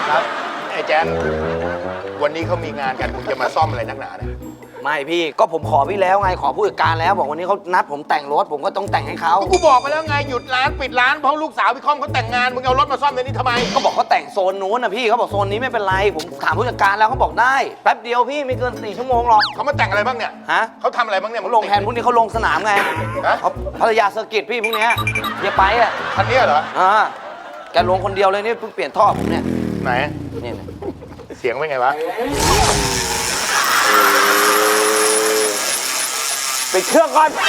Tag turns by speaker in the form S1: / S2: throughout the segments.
S1: ครับไอ้แจ๊ควันนี้เขามีงานกันมึงจะมาซ่อมอะไรนักหนาเนี่ย
S2: ไม่พี่ก็ผมขอพี่แล้วไงขอผู้จัดการแล้วบอกวันนี้เขานัดผมแต่งรถผมก็ต้องแต่งให้เขา
S1: กูบอกไปแล้วไงหยุดร้านปิดร้านเพราะลูกสาวพี่คอมเขาแต่งงานมึงเอารถมาซ่อมในนี้ทำไม
S2: ก็บอกเขาแต่งโซนนู้นนะพี่เขาบอกโซนนี้ไม่เป็นไรผมถามผู้จัดการแล้วเขาบอกได้แป๊บเดียวพี่ไม่เกิน4 ชั่วโมงหรอก
S1: เขามาแต่งอะไรบ้างเนี่ย
S2: ฮะ
S1: เขาทำอะไรบ้างเนี่ย
S2: เขาลงแทนพวกนี้เขาลงสนามไง
S1: ฮะ
S2: เขาภรรยาเซอร์กิตพี่พวกเนี้ยอย่าไปอ่ะ
S1: คันนี้เหรอ
S2: แกลงคนเดียวเลยนี่เพิ่งเปลี่ยนท่อผมเนี่ย
S1: ไหน
S2: นี่
S1: เสียงเป็นไงวะ
S2: ปิดเครื่องก่อน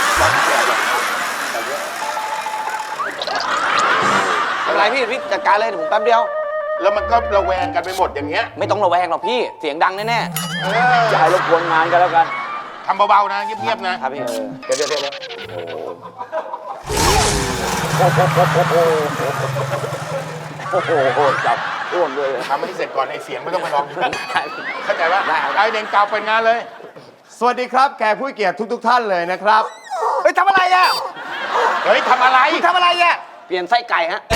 S2: ไม่เป็นไรพี่จัดการเลยเดี๋ยวผมแป๊บเดียว
S1: แล้วมันก็ระแวงกันไปหมดอย่างเงี้ย
S2: ไม่ต้องระแวงหรอกพี่เสียงดังแน่
S3: อย่าให้รบกวนงานกันแล้วกัน
S1: ทำเบาๆนะเงียบๆนะ
S2: ๆครับพี่
S1: เดี๋ยว
S3: โอ้โหจับร่วมด้วย
S1: ทำให้เสร็จก่อนไอ้เสียงไม่ต้องไปร้องเข้าใจปะ
S2: ได้ครับ
S1: ไอ้เด่งเก่าเป็นงานเลย
S4: สวัสดีครับแขกผู้เกียรติทุกท่านเลยนะครับ
S2: เฮ้ยทำอะไรอ่ะ
S1: เฮ้ยทำอะไร
S2: ทำอะไรอ่ะเปลี่ยนไส้ไก่ฮะ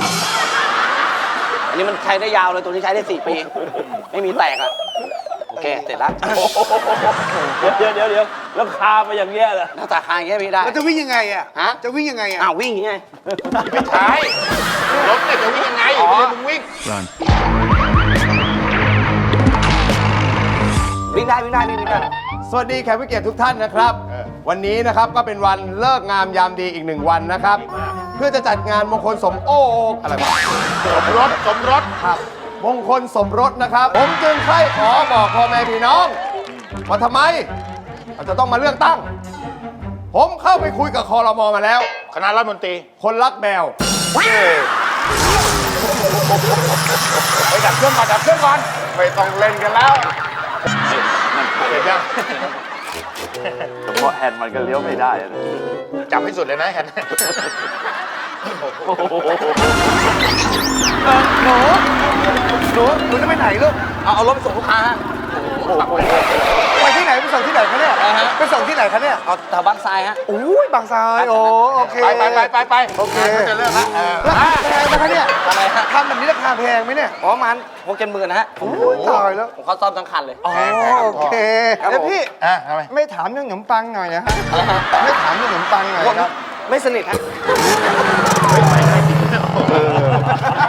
S2: อันนี้มันใช้ได้ยาวเลยตัวนี้ใช้ได้4 ปีไม่มีแตกอ่ะโอเคเสร็จแล้ว
S3: เดี๋ยวแล้วคาไปอย่างเงี้ยเหรอ
S2: หน้าตาคางอย่างเงี้ยพี่ได้
S5: แล้วจะวิ่งยังไงอ่ะ
S2: ฮะ
S5: จะวิ่งยังไงอ่ะ
S2: อ้าววิ่งอย่างไง
S1: ไม่ใช่รถเนี่ยจะวิ่งยังไงไม่ใช่มึงวิ่ง
S2: วิ่งได้วิ่งได้พี่วิ่งได้
S4: สวัสดีแขกผู้เกียรติทุกท่านนะครับ วันนี้นะครับก็เป็นวันเลิกงามยามดีอีก1 วันนะครับ เพื่อจะจัดงานมงคลสมอะไรวะ
S1: สมรส
S4: ครับมงคลสมรสนะครับ ผมจึงใคร่ขอบอกพ่อแม่พี่น้องว่าทำไมเราจะต้องมาเลือกตั้ง ผมเข้าไปคุยกับคอรมอมาแล้ว
S1: คณะรัฐมนตรี
S4: คนรักแมว
S1: ไปดับเครื่องก่อนดับเครื่องก่อนไม่ต้องเล่นกันแล้วเห็นยัง
S3: เฉพาะแฮนด์มันก็เลี้ยวไม่ได้อะ
S1: จับให้สุดเลยนะแฮน
S5: หนูจะไปไหนลูก
S2: เอารถไปส่งลูกค้าฮะ
S5: ไปที่ไหนไปส่งที่ไหนคะเนี่ยไปส่งที่ไหนคะเนี่ย
S2: เอาแถวบางทรายฮะ
S5: อุ้ยบางทรายโอเค
S1: ไป
S5: โอเค
S1: จะเลิกแล้ว
S5: ราคาแพงนะคะเนี่ย
S2: อะไรฮะ
S5: ทำแบบนี้ราคาแพงไหมเนี่ย
S2: ประมาณ6-7 หมื่นนะฮะ
S5: โอ้ยตายแล้ว
S2: ผมเขาซ่อมทั้งคันเลย
S5: อ๋อโอเค
S2: ครับผม
S5: แล้วพี่
S1: ทำไม
S5: ไม่ถามเรื่องขนมปังหน่อยนะฮะไม่ถามเรื่องขนมปังหน่อยครับ
S2: ไม่สนิทฮะ